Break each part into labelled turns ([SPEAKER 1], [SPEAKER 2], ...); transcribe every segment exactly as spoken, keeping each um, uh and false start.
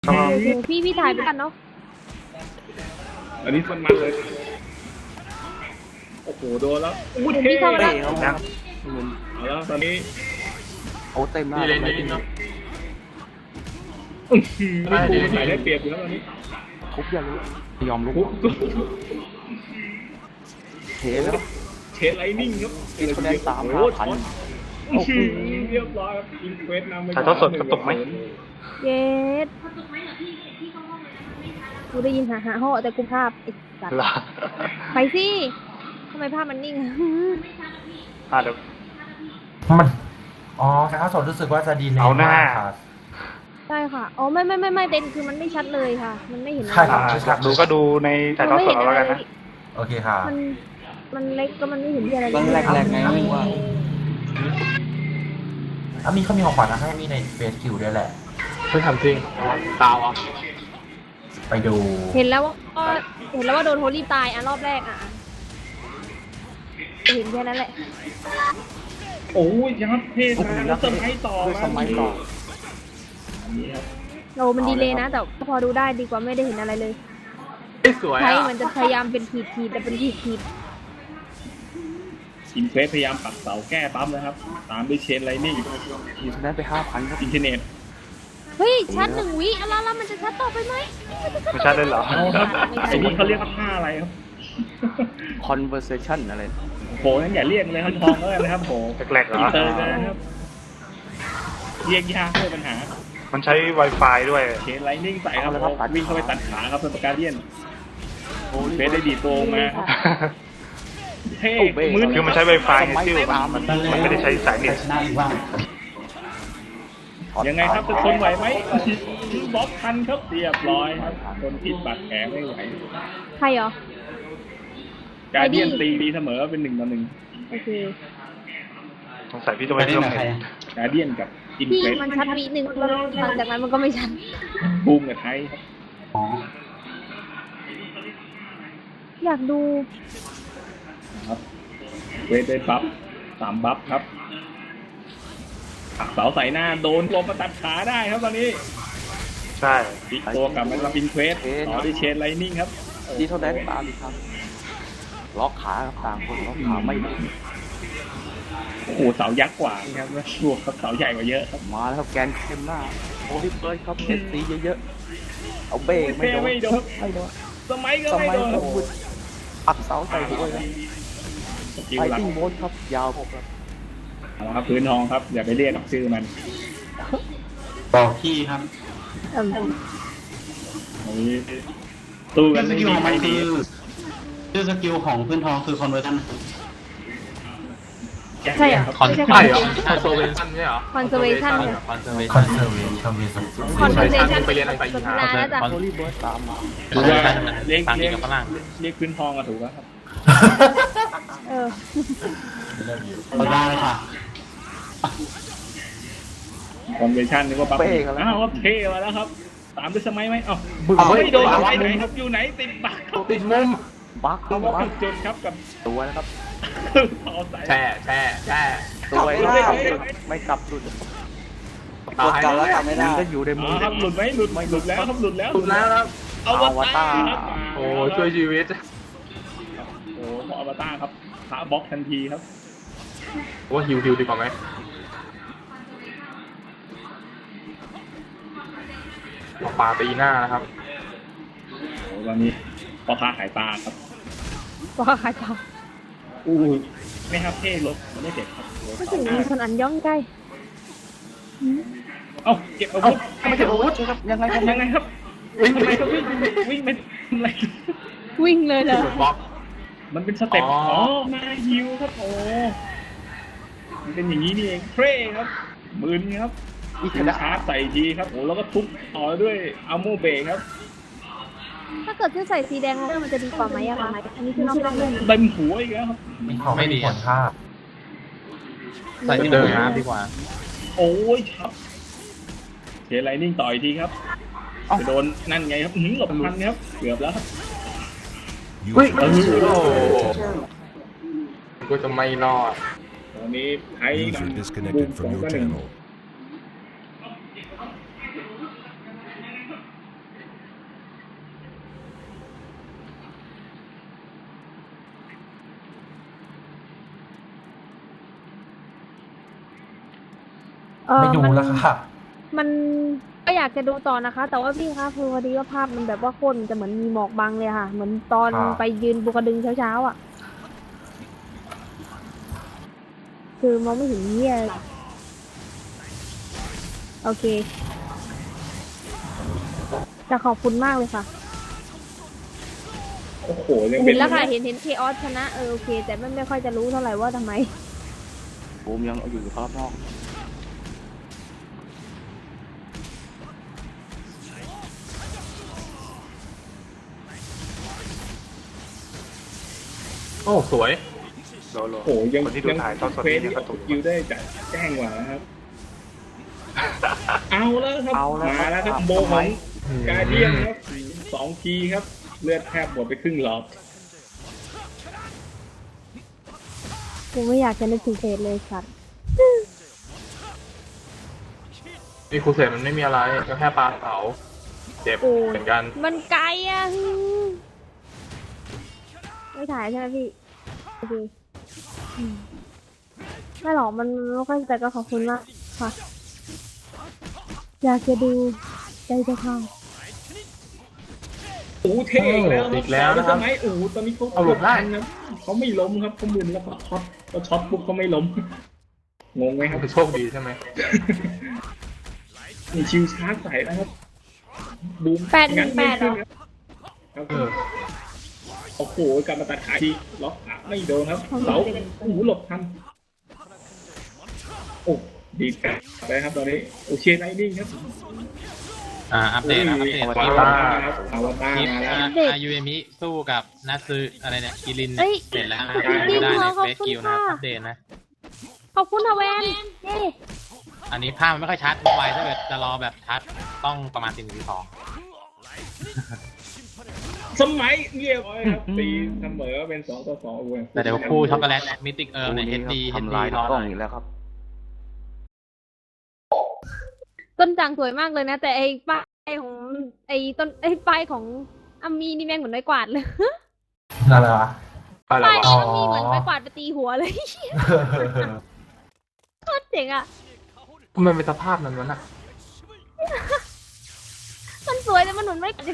[SPEAKER 1] โอเคพี่พี่ถ่ายไปกันเนาะ
[SPEAKER 2] อันนี้มันมันเลยโอ้โหโดนแล้วอู้เท่
[SPEAKER 1] พี่เข้ามาแล้ว
[SPEAKER 2] เอาแล้วตอนนี้
[SPEAKER 3] โอ้เต็มมาก
[SPEAKER 2] เลยเลยเนาะไม่ปูมันใส่ได้เปรียบอยู่แล้วตอนนี้
[SPEAKER 3] คุบอย่ารู้ยอมรู้เทแล้ว
[SPEAKER 2] เชนไลนิ่งครับ
[SPEAKER 3] กินคะแนนสามห้าพัน
[SPEAKER 2] โอ้โหเรียบร้อยครับอินเควสนำไป
[SPEAKER 4] ถ่ายทอดสดกระตุกไหม
[SPEAKER 1] เย็ดกูได้ยินหาหาห่อแต่กูภาพไอ้สัตว์ไปสิทำไมภาพมันนิ่ง
[SPEAKER 4] อ่ะเดี๋ยว
[SPEAKER 5] มันอ๋อถ่ายทอดสดรู้สึกว่าจะดีใน
[SPEAKER 4] เอาหน้า
[SPEAKER 1] ใช่ค่ะอ๋อไม่ไม่ไม่ไม่เด่นคือมันไม่ชัดเลยค่ะ มันไม่เห็นอะไร
[SPEAKER 4] อยากดูก็ดูในถ่ายทอดสดแล้วกันนะ
[SPEAKER 5] โอเคค่ะ
[SPEAKER 1] มันมันเล็กก็มันไม่เห็นอะไร
[SPEAKER 3] เลยแรกๆไงว่า
[SPEAKER 5] อ่ะมีเขามีของขวัญนะให้มีในเฟซคิวด้วยแหละ
[SPEAKER 4] ไม่ทำจริงตาวอ่ะ
[SPEAKER 5] ไปดู
[SPEAKER 1] เห็นแล้วว่าเห็นแล้วว่าโดนโฮลี่ตายอ่ะรอบแรกอ่ะเห็นแค่นั้นแหละ
[SPEAKER 2] โอ้ยยับเท่นะแล้วเติมให้ต่อ
[SPEAKER 3] สมัยต่อ
[SPEAKER 1] เรามันดีเลยนะแต่พอดูได้ดีกว่าไม่ได้เห็นอะไรเลย
[SPEAKER 2] สวย
[SPEAKER 1] ใช่มันจะพยายามเป็นขีดขีดแต่เป็นขีดขีด
[SPEAKER 2] อินเควสพยายามปักเสาแก้ปั๊มนะครับตามด้วยเชนไลนิ่ง
[SPEAKER 3] มีคะแนนไปห้าพันครับ
[SPEAKER 2] อินเทอร์เน็ต
[SPEAKER 1] เฮ้ยชัดหนึ่งวิอะไรแล้วมันจะชัดต่อไปไหม
[SPEAKER 4] ไม่ชัดเลยเหรอ
[SPEAKER 2] ไอ้นี่เขาเรียกว่าท่าอะไรครับ
[SPEAKER 3] conversation อะไร
[SPEAKER 2] โหนั่นอย่าเรียกเลยครับทองเลยนะครับโห
[SPEAKER 4] แกลกๆเหรอ
[SPEAKER 2] อินเตอร์เลยนะครับเรียกยากด้วยปัญหา
[SPEAKER 4] มันใช้ Wi-Fi ด้วย
[SPEAKER 2] เชนไลนิ่งใส่ครับวิ่งเข้าไปตัดขาครับเป็นประการเดียนเฟสได้ดีโตมาเท่มือ
[SPEAKER 4] คือมันใช้ Wi-Fi ไงที่มันมันไม่ได้ใช้สายเน็ต
[SPEAKER 2] ยังไงครับจะทนไหวไหมบล็อกทันครับเรียบร้อยครับทนผิดบาดแผลไม่ไหว
[SPEAKER 1] ใครเหรอ
[SPEAKER 2] การเดียนตีดีเสมอเป็นหนึ่งต่อหนึ่ง
[SPEAKER 1] โอเค
[SPEAKER 4] สงสัยพี่ต้องไปเที่ยวไหน
[SPEAKER 2] การเดียนกับอินเฟส
[SPEAKER 1] มันชัดวิหนึ่งแล้วหลังจากนั้นมันก็ไม่ชัด
[SPEAKER 2] บูมกับไทย
[SPEAKER 1] อยากดู
[SPEAKER 2] ครับเวทได้บัฟสามบัฟครับเสาใส่หน้าโดนตัวประตัดขาได้ครับตอนนี้
[SPEAKER 4] ใช่
[SPEAKER 2] ปิดตัวกับมันรับอินเควสต่อที่เชนไลนิ่งครับ
[SPEAKER 3] ดีเท่าแดนตามดีครับล็อกขาต่างคนล็อกขาไม่ได้
[SPEAKER 2] โอ้โหเสายักษ์กว่าครับรวมกับเสาใหญ่กว่าเยอะครับ
[SPEAKER 3] มาแล้วครับแกนเข้มหน้าโอ้ยเปิดครับเอสซีเยอะๆเอาเบรกไม่โดน
[SPEAKER 2] ไม่โดน
[SPEAKER 3] ไม่โดน
[SPEAKER 2] สมัยก็ไม่โดน
[SPEAKER 3] ปักเสาใส่หัวเลยไปติ้งโบนครับยาวผมครับ
[SPEAKER 2] เอาครับพื้นทองครับอย่าไปเรียกชื่อมัน
[SPEAKER 5] บอกพี่ครับ
[SPEAKER 2] ตู้กันไม่มีไม่ดี
[SPEAKER 5] ชื่อสกิลของพื้นทองคือคอนเวอร์ชัน
[SPEAKER 1] ใช่เหรอ
[SPEAKER 4] คอนใช่เหรอคอนเซอร์เวชั่นใช่เหรอ
[SPEAKER 1] คอนเซอร์เวชั่น
[SPEAKER 5] คอนเซอร์เวชั่นคอนเซอร์เวชั่น
[SPEAKER 1] คอนเซอร์เวชั่น
[SPEAKER 4] ไปเรียนอะไรอีก
[SPEAKER 1] ครับแล้วจ้ะ
[SPEAKER 3] โอลิเบิร์ตตามมา
[SPEAKER 2] เรียกเรียกเรียกพื้นทองอะถูกแล้วครับ
[SPEAKER 1] เออ
[SPEAKER 5] เอาได้ค่ะ
[SPEAKER 2] คอนเวชั่นนี่ว่าปั๊บอ้าวเท่มาแล้วครับตามด้วยสมัยไหมเอ้าไม่โดนไปไหนครับอยู่ไหนติดบัก
[SPEAKER 4] ติดมุม
[SPEAKER 2] บักเขาบอกจุดครับกับ
[SPEAKER 3] ตัวนะครับ
[SPEAKER 4] แช่แช่แช่
[SPEAKER 3] ตัวไม่กลับไม่กลับหลุด
[SPEAKER 4] ตายแล้ว
[SPEAKER 3] ไม่ได้ก็อยู่ในมือ
[SPEAKER 2] ครับหลุดไหมหลุดไม่หลุดแล้วครับหลุดแล้ว
[SPEAKER 4] หลุดแล้วครับ
[SPEAKER 2] เอาวตาร
[SPEAKER 4] โอ้ช่วยชีวิต
[SPEAKER 2] โอ้พออวตารครับขาบล็อกทันทีครับ
[SPEAKER 4] ว่าฮิวฮิวดีกว่าไหมปลาตีหน้านะครับ
[SPEAKER 2] โอ้วันนี้พอค้าขายปลาครับ
[SPEAKER 1] พอค้าขายปลา
[SPEAKER 2] อู้ไม่ครับเท่รถไม่เจ็บครับ
[SPEAKER 1] ก็ถึงมีคนอันย่องใกล้
[SPEAKER 2] เอ้าเก็บอาวุธ
[SPEAKER 3] ไม่เก็บอาวุธครับยังไง
[SPEAKER 2] ยังไงครับวิ่งไปก็วิ่งวิ่งไปอะไร
[SPEAKER 1] วิ่งเลยเหรอ
[SPEAKER 2] มันเป็นสเต็ปอ๋อมาฮิวครับโอ้มันเป็นอย่างนี้นี่เองเทรครับมืนครับอีกชาร์จใส่ทีครับโอ้แล้วก็ทุบต่อด้วยอัลโมเบครับ
[SPEAKER 1] ถ้าเกิดจะใส่สีแดงแล้วมันจะดีกว่าไหมอะคะอันนี้คือนอกเรื่อง
[SPEAKER 2] เต็มหัวอีกแล้วครับ
[SPEAKER 5] ไม่ดีผลภาพ
[SPEAKER 4] ใส่เดิมนะดีกว่า
[SPEAKER 2] โอ้ยครับเชนไลนิ่งต่อยทีครับจะโดนนั่นไงครับหึงหลบทันครับเกือบแล้วครับ
[SPEAKER 4] เฮ้ยโอ้ก็จะไม่รอด
[SPEAKER 2] ตอนนี้ไทยบุกสองต่อหนึ่ง
[SPEAKER 1] เออ
[SPEAKER 5] ไม่ดู
[SPEAKER 1] มัน
[SPEAKER 5] แล้วค่ะ
[SPEAKER 1] มันก็อยากจะดูต่อนะคะ แต่ว่าพี่คะคือพอดีว่าภาพมันแบบว่าคนจะเหมือนมีหมอกบังเลยค่ะ เหมือนตอน
[SPEAKER 5] ครับ
[SPEAKER 1] ไปยืนบุกระดึงเช้าๆอ่ะ คือมองไม่เห็นเหี้ยเลยโอเคแต่ขอบคุณมากเลยค่ะ
[SPEAKER 2] โอ้โหยัง
[SPEAKER 1] เห็
[SPEAKER 2] เป็น
[SPEAKER 1] นแล้วค่ะเห็นเห็นเคออสชนะเออโอเค แต่ไม่ไม่ค่อยจะรู้เท่าไหร่ว่าทำไม
[SPEAKER 3] บูมยังอยู่รอบนอก
[SPEAKER 4] โอ้สวย
[SPEAKER 3] โลโล
[SPEAKER 2] โอ้โหยัง
[SPEAKER 3] คนที่ดู
[SPEAKER 2] ยัง
[SPEAKER 3] ถ่ายทอดสด
[SPEAKER 2] เฟ
[SPEAKER 3] นี่
[SPEAKER 2] ซ
[SPEAKER 3] เนี่ยก็ถูก
[SPEAKER 2] คิวได้จัดแจ้งกว่านะครับ เอาแล้วครับ
[SPEAKER 3] เอาแล้ว
[SPEAKER 2] มาแล้วครับ
[SPEAKER 3] ครับ
[SPEAKER 2] โบข
[SPEAKER 3] ทำไม
[SPEAKER 2] องกาเดียนครับสองทีครับ เลือดแทบหมดไปครึ่งหลอด
[SPEAKER 1] กูไม่อยากจะนึกถึงเพจเลยสัตว์
[SPEAKER 4] นี่ครูเสกมันไม่มีอะไรก็แค่ปลาเสาเจ็บ
[SPEAKER 1] โอ้
[SPEAKER 4] เหมือนกัน
[SPEAKER 1] มันไกลอ่ะไม่ถ่ายใช่ไหมพี่โอเคอืมไม่หรอกมันไม่ค่อยแต่ก็ขอบคุณมากค่ะ อยากจะดูใจจะพัง
[SPEAKER 2] โอ้เท่อีกแล้ว
[SPEAKER 4] อีกแล้วนะครับ
[SPEAKER 2] ทำไมโอ้ตอนนี้เขา
[SPEAKER 4] เอาหลบได้
[SPEAKER 2] นะเขาไม่ล้มครับเขามึนแล้วก็ช็อตก็ช็อตปุ๊บเขาไม่ล้ม งงไหมครับ
[SPEAKER 4] คือโชคดีใช่ไหม
[SPEAKER 2] นี่ชิวชาร์จใส่นะครับบูม
[SPEAKER 1] แปดหนึ่งแปดเหรอ
[SPEAKER 2] ครับ
[SPEAKER 4] เออ
[SPEAKER 2] โอ้โหกลับมาตัดขาทีล็อกขาไม่โดนครับเสาโอ้โหหลบทันโอ้ดีใจไปครับตอนนี้โอเชไลนิ่งครับ
[SPEAKER 6] อ่าอัปเดตนะอัปเดต
[SPEAKER 2] อ
[SPEAKER 6] คลิ
[SPEAKER 2] ว
[SPEAKER 6] ป
[SPEAKER 2] ตารครับอวตาร
[SPEAKER 6] คลิป
[SPEAKER 2] มาแล้ว
[SPEAKER 6] อายูเอมิสู้กับนัตซึอะไรเนี่ยกิริน
[SPEAKER 1] เอ้ย
[SPEAKER 6] เสร็จแล้วนะ
[SPEAKER 1] จริงๆ
[SPEAKER 6] ได้
[SPEAKER 1] เหร
[SPEAKER 6] ใน
[SPEAKER 1] อขอบ
[SPEAKER 6] เฟซ
[SPEAKER 1] คุณ
[SPEAKER 6] คิวนะ
[SPEAKER 1] ค่ะ
[SPEAKER 6] อัปเดตนะ
[SPEAKER 1] ขอบคุณทแวนเย้
[SPEAKER 6] อันนี้ภาพมันไม่ค่อยชัดไวถ้าเกิดจะรอแบบชัดต้องประมาณสี่หนึ่งสอง
[SPEAKER 2] สมัยเงียบไว้ครับตีเสมอเป็นสองต่อสองโอ้ย
[SPEAKER 6] แต่เดี๋ยวคู่ช็อกโกแลตมิติกเอิร์
[SPEAKER 3] บู
[SPEAKER 6] เนี่ยเฮ
[SPEAKER 3] นี้
[SPEAKER 6] ด
[SPEAKER 3] ครับ
[SPEAKER 6] ดีเฮด
[SPEAKER 3] ทำ
[SPEAKER 6] ดี
[SPEAKER 3] ลาย
[SPEAKER 6] รอก
[SPEAKER 3] ล้
[SPEAKER 6] ห
[SPEAKER 3] อ
[SPEAKER 6] น่
[SPEAKER 3] ง
[SPEAKER 6] อย
[SPEAKER 3] อีกแล้วครับ
[SPEAKER 1] ต้นจางสวยมากเลยนะ แต่ไอ้ป้ายของไอ้ต้นไอ้ป้ายของอามีนี่แม่งเหมือนไม้กวาดเลย
[SPEAKER 5] นั่นแหละวะ
[SPEAKER 4] ไปแล้ว
[SPEAKER 1] ป้ายว
[SPEAKER 4] ะ
[SPEAKER 1] อามีเหมือนไม้กวาดไปตีหัวเลย โคตรเจ๋งอ่ะ
[SPEAKER 4] มันเป็นสภาพนั้นวะน่ะ
[SPEAKER 1] มันสวยแต่มันเหมือนไม้กวาดจริง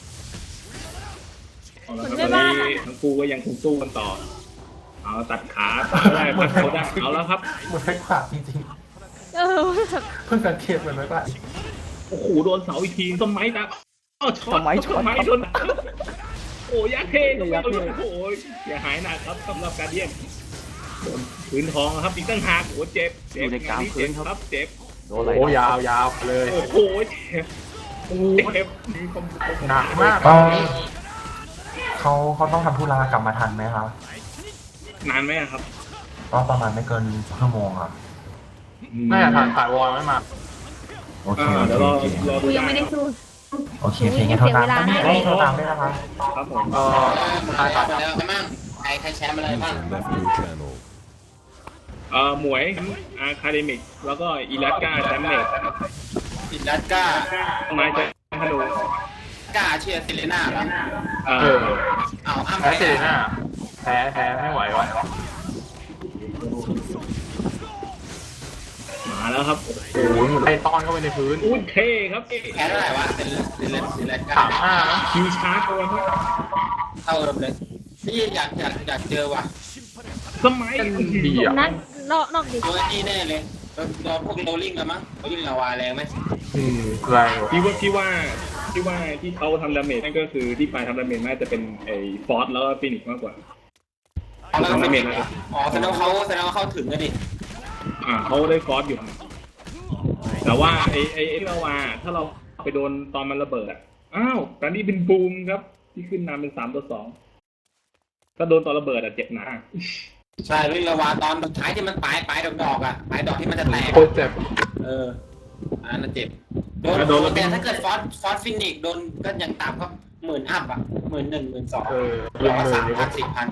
[SPEAKER 2] เอาละ
[SPEAKER 1] เหมื
[SPEAKER 2] ค
[SPEAKER 1] อน
[SPEAKER 2] รับ
[SPEAKER 1] แม่
[SPEAKER 2] ตอน
[SPEAKER 1] บ้าน
[SPEAKER 2] นี้
[SPEAKER 1] อะ
[SPEAKER 2] ทั้งคู่ก็ยังคงสู้กันต่อ เอาตัดขาตัดได้พัดเขาได้เอาแล้วครับ
[SPEAKER 5] เหมือนไม่กวาดจริง
[SPEAKER 1] เออแบบ
[SPEAKER 5] ๆเพิ่งสังเกตเหมือนไม่กวาด
[SPEAKER 2] โอ้โหโดนเสาอีกทีต้นไม้ครับอ้าวช็อต
[SPEAKER 3] ต้นไม้ช็อต
[SPEAKER 2] ต้นไม้โดนโอ้ยาเท่
[SPEAKER 3] ยาเท่
[SPEAKER 2] โอ้โหอย่าหายหนักครับสำหรับการเดียนโดนพื้นทองครับอีกตั้งหากโอ้โหเจ็บเจ็บ
[SPEAKER 3] อยู่ในกลาง
[SPEAKER 2] ง
[SPEAKER 3] พื้น
[SPEAKER 2] เจ็
[SPEAKER 3] ครับ
[SPEAKER 2] เจ็บ
[SPEAKER 3] โดนอะไร
[SPEAKER 4] โอ้ยาวยาวเลย
[SPEAKER 2] โอ้โหเจ็บโอ้โหเจ็บมีคมคม
[SPEAKER 4] หนักมาก
[SPEAKER 5] เออเขาเขาต้องทำธุระกลับมาทันไหมครับ
[SPEAKER 2] นานไหมอะครับ
[SPEAKER 5] ก็ประมาณไม่เกินชั่วโมงครับ
[SPEAKER 4] น่าจะถ่ายถ่ายวอลไม่มา
[SPEAKER 5] โอเค
[SPEAKER 2] อ่า
[SPEAKER 5] โอ
[SPEAKER 2] เดี๋ยว
[SPEAKER 5] เค
[SPEAKER 2] รอ
[SPEAKER 5] โอเค
[SPEAKER 2] รอ
[SPEAKER 1] กู
[SPEAKER 2] ดู
[SPEAKER 1] ยังไม่ได้สู้
[SPEAKER 5] โอเคเพลงนี้โทรตามก็มีให้โทรตามด้วยนะครับ
[SPEAKER 2] ครับผม
[SPEAKER 4] เออถ่ายถ่าย
[SPEAKER 6] แล้วใช่ไหมใครใครแชมป์อะไรบ้าง
[SPEAKER 7] User left your channel.
[SPEAKER 2] เอ่อหมวยอาคาเดมิกแล้วก็อีลัสกาแชมเมต
[SPEAKER 6] อินดัสก้า
[SPEAKER 2] ไม้จะฮัลโหล
[SPEAKER 6] ก้าเชียร์ซิเลน่าเหรอ
[SPEAKER 2] เอ่
[SPEAKER 4] เอ
[SPEAKER 2] อ
[SPEAKER 4] อ
[SPEAKER 6] เอาอ้ำ
[SPEAKER 4] แพ้เซรีน่าแพ้แพ้ไม่ไหววะ
[SPEAKER 2] มาแล้วครับ
[SPEAKER 4] โอ้โหเหมือนไล่ต้อนเข้าไปในพื้น
[SPEAKER 2] อุ้ยเท่ครับ
[SPEAKER 6] แพ้เท่าไหร่วะเป็นซิเลซิเลก้า
[SPEAKER 4] สามห้านะ
[SPEAKER 2] คิวชาร์จตัวครับ
[SPEAKER 6] เท่าเดิมเลยนี่อยากอยากอยากเจอว่ะ
[SPEAKER 2] สมัย
[SPEAKER 4] ดีอ่ะ
[SPEAKER 1] นัดนอกนอกดิ
[SPEAKER 6] ตัวนี้แน่เลยโดนพวกโรลลิ่งกันมั้งโรลลิ่งลาวาแรงไหม
[SPEAKER 4] อืมแรงอยู่
[SPEAKER 2] ที่ว่าที่ว่าที่ว่าที่เขาทำดาเมจนั่นก็คือที่ปลายทำดาเมจน่าจะเป็นไอ้ฟอสแล้วก็ฟินิกซ์มากกว่า
[SPEAKER 6] อ๋อแล้ว
[SPEAKER 2] ทำดาเมจ
[SPEAKER 6] ก็
[SPEAKER 2] นะครับ
[SPEAKER 6] อ๋อแสดงว่าเขาแสดงว่าเขาถึงกันดิ
[SPEAKER 2] อ่าเขาได้ฟอสอยู่ แต่ว่าไอ้ไอ้ไอ้ลาวาถ้าเราไปโดนตอนมันระเบิดอ่ะอ้าวตอนนี้เป็นบูมครับ ที่ขึ้นนำเป็นสามต่อสองถ้าโดนตอนระเบิดอ่ะเจ็บหนา
[SPEAKER 6] ใช่วิ่งระวาตอนสุดท้ายที่มันปลายปลายดอกดอกๆอ่ะปลายดอกที่มันจะแตก
[SPEAKER 4] โคตรเจ็บ
[SPEAKER 6] เอออันนั้นนะเจ็บโดน
[SPEAKER 2] โดนแล้ว
[SPEAKER 6] แต่ถ้าเกิดฟอสฟอสฟินิกโดนก็ยังต่ำก็หมื่นอัพอ่ะหมื่นหนึ่งหมื่นสอง
[SPEAKER 4] เออ
[SPEAKER 6] หรื
[SPEAKER 4] เรื่
[SPEAKER 6] อ
[SPEAKER 4] อง
[SPEAKER 6] ว่า
[SPEAKER 4] มือ
[SPEAKER 6] สาม
[SPEAKER 4] นี่
[SPEAKER 6] พั
[SPEAKER 4] ก็
[SPEAKER 6] นสี่พัน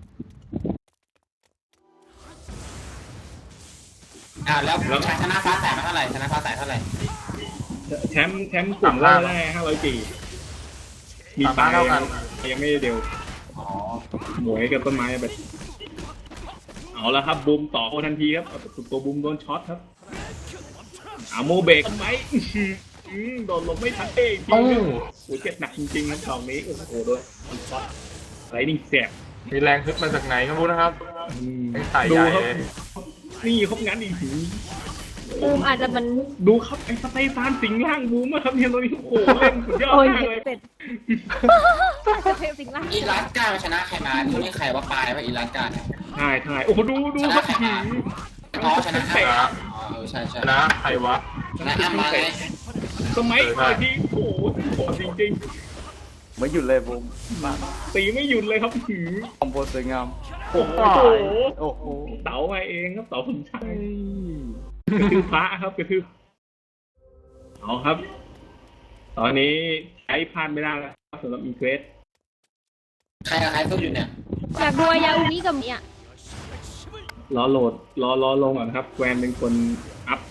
[SPEAKER 6] อ่าแล้วชนะฟ้าแสงมาเท่าไหร่ชนะฟ้าแสงเท่าไหร่
[SPEAKER 2] แชมป์แชมป์กลุ่มแรกได้ห้าร้อยปีมี
[SPEAKER 4] สาม
[SPEAKER 2] ปลา
[SPEAKER 4] ห้าย เท่ากัน
[SPEAKER 2] ยังไม่ได้เดียว
[SPEAKER 6] อ๋อ
[SPEAKER 2] หมวยกับต้นไม้แบบเอาแล้วครับบูมต่อทันทีครับตัวบูมโดนช็อตครับอาโมเบรกไหมอื้อหืออื้อโดนลมไม่ทันเองจริ
[SPEAKER 4] โอ้
[SPEAKER 2] งครับโอ้ยเจ็บหนักจริงๆครับตอนนี้โอ้โหด้วยไรนิ่งแสบ
[SPEAKER 4] มีแรงฮึดมาจากไหนก็ไม่รู้นะครับ
[SPEAKER 2] อืม
[SPEAKER 4] ไอ้ไข่
[SPEAKER 2] ดู
[SPEAKER 4] ใหญ่
[SPEAKER 2] ครับนี่ครับงั้นอีกที
[SPEAKER 1] บูมอาจจะมัน
[SPEAKER 2] ดูครับไอ้สเตฟานสิงห์ล่างบูมอะครับเนี่ยตอนนี้โอ้โหเล่นสุดยอด
[SPEAKER 1] โอ้ย
[SPEAKER 2] มากเลย
[SPEAKER 1] เป็ดจะเทสิ่งล่าง
[SPEAKER 7] อีรัสกาชนะใครมาคนนี้ใครว่าปลายว่าอีรัสกาเนี่ย
[SPEAKER 2] ใช่ใช่โอ้โหดูดูครับหืม
[SPEAKER 7] อ๋อชนะ
[SPEAKER 4] ชนะ
[SPEAKER 7] อ๋อเออใช่ใช่
[SPEAKER 4] ชนะใครวะ
[SPEAKER 7] ชนะอ้ำมาไง
[SPEAKER 2] สมัยก่อนที่โอ้โหโหดจริง
[SPEAKER 3] ไม่หยุดเลยบูมมา
[SPEAKER 2] ๆตีไม่หยุดเลยครับหืม
[SPEAKER 3] คอมโบสวยงาม
[SPEAKER 2] โอ้โห
[SPEAKER 3] โอ้โห
[SPEAKER 2] เต๋ามาเองครับเต๋าสมชายกระทืบพระครับกระทืบเอาครับ ตอนนี้ใช้พลาดไม่ได้แล้วครับสำหรับอีเควส
[SPEAKER 7] ใครกับใครสู้อยู่เนี่ย
[SPEAKER 1] อยากดูอายาอุมิกับเนี่ย
[SPEAKER 2] รอโหลดรอรอลงก่อนครับแกวนเป็นคนอัพ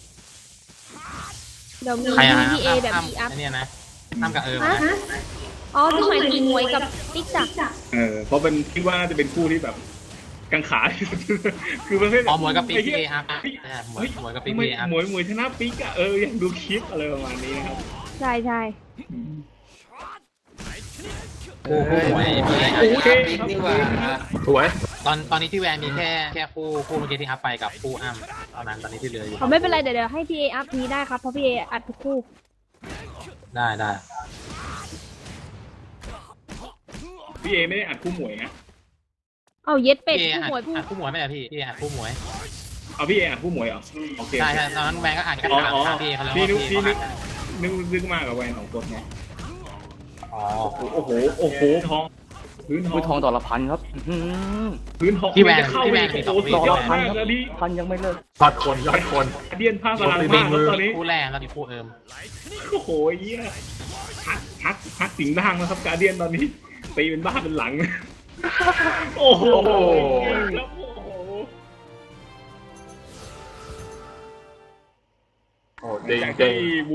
[SPEAKER 1] เดี๋ยวมี
[SPEAKER 6] ใครอะ
[SPEAKER 1] พีเอแบบ
[SPEAKER 6] อ้ำ
[SPEAKER 1] พีอัพ
[SPEAKER 6] ไอ้เนี่ยนะอ้ำกับเอิร์ม
[SPEAKER 1] ฮะ
[SPEAKER 6] นะ
[SPEAKER 1] อ๋อที่หมายถึงหมวยกับติ๊กจัก
[SPEAKER 2] เออเพราะเป็นคิดว่าน่าจะเป็นคู่ที่แบบกังขาที่สุด คือประเภท
[SPEAKER 6] อ๋อหมวยกับปี
[SPEAKER 2] ไอ้
[SPEAKER 6] พี
[SPEAKER 2] หี้
[SPEAKER 6] เอย อัพ
[SPEAKER 2] เฮ้ย
[SPEAKER 6] อ่ะหมวยหมวยกับปี
[SPEAKER 2] ทำไม
[SPEAKER 6] พีเออัพ
[SPEAKER 2] หมวยหมวยชนะปิ๊กอะเอออยากดูคลิปอะไรประมาณนี้นะครับ
[SPEAKER 1] ใช่ใช่
[SPEAKER 6] คู่คู่หมวยพีเอ
[SPEAKER 2] โอเค
[SPEAKER 7] ปิ๊กนี่หว่า
[SPEAKER 4] สวย
[SPEAKER 6] ตอนตอนนี้ที่แวนมีแค่แค่คู่คู่เมื่อกี้ที่อัพไปกับคู่อ้ำเท่านั้นตอนนี้ที่เหลืออยู่
[SPEAKER 1] เอาไม่เป็นไรเดี๋ยวเดี๋ยวให้พีเออัพนี้ได้ครับเพราะพีเออัดทุกคู่
[SPEAKER 6] ได้ได้
[SPEAKER 2] พี่เอไม่ได้อัดคู่หมวยนะ
[SPEAKER 1] เอาเย็ดเป็ด
[SPEAKER 6] พี่เอ
[SPEAKER 1] ผู้
[SPEAKER 6] อัด
[SPEAKER 1] หมวยผู้
[SPEAKER 6] อัดคู่หมวยไม่ใช่พี่พี่เออัดคู่หมวย
[SPEAKER 2] เอาพี่เออัดคู่หมวยเหรอโอเค
[SPEAKER 6] ใช่ใช่ตอนนั้นแวนก็อัดกัน
[SPEAKER 2] อ๋อ
[SPEAKER 6] ถาม
[SPEAKER 2] อ๋อ
[SPEAKER 6] ถามพี่เอเขาแล้ว
[SPEAKER 2] พี่
[SPEAKER 6] ว่า
[SPEAKER 2] นึก
[SPEAKER 6] พี่
[SPEAKER 2] พี่
[SPEAKER 6] เขา
[SPEAKER 2] นึ
[SPEAKER 6] อั
[SPEAKER 2] ก
[SPEAKER 6] ดกัน
[SPEAKER 2] นึกนึกมากกับแวนของคนไง
[SPEAKER 6] อ๋อ
[SPEAKER 2] โอ้โหโอ้โหทองพื้นทอง
[SPEAKER 3] มือทองต่อละพันครับอื้อหือ
[SPEAKER 2] พื้นทอง
[SPEAKER 6] ที่แวน
[SPEAKER 2] จะเข้า
[SPEAKER 6] ที่
[SPEAKER 2] ไป
[SPEAKER 6] แวนมี
[SPEAKER 2] โอ้
[SPEAKER 6] สอง
[SPEAKER 2] โห
[SPEAKER 6] ปี
[SPEAKER 2] สุดยอด
[SPEAKER 3] พัน
[SPEAKER 2] มาก
[SPEAKER 3] ครับ
[SPEAKER 2] เลยดิ
[SPEAKER 3] พันยังไม่เลิก
[SPEAKER 4] ยอดคนยอดคน
[SPEAKER 2] เดียนผ้าพลังมากครับตอนนี้
[SPEAKER 6] คู่แรกแล้วมีคู่เอิร์ม
[SPEAKER 2] โอ้โหเยี่ยฮักฮักฮักสิงห์ด่างนะครับการเดียนตอนนี้ตีเป็นบ้าเป็นหลัง โอ้โหแล้วโอ้โห
[SPEAKER 4] โอ้จริง
[SPEAKER 2] จาก
[SPEAKER 4] จริ
[SPEAKER 2] ที่
[SPEAKER 4] ง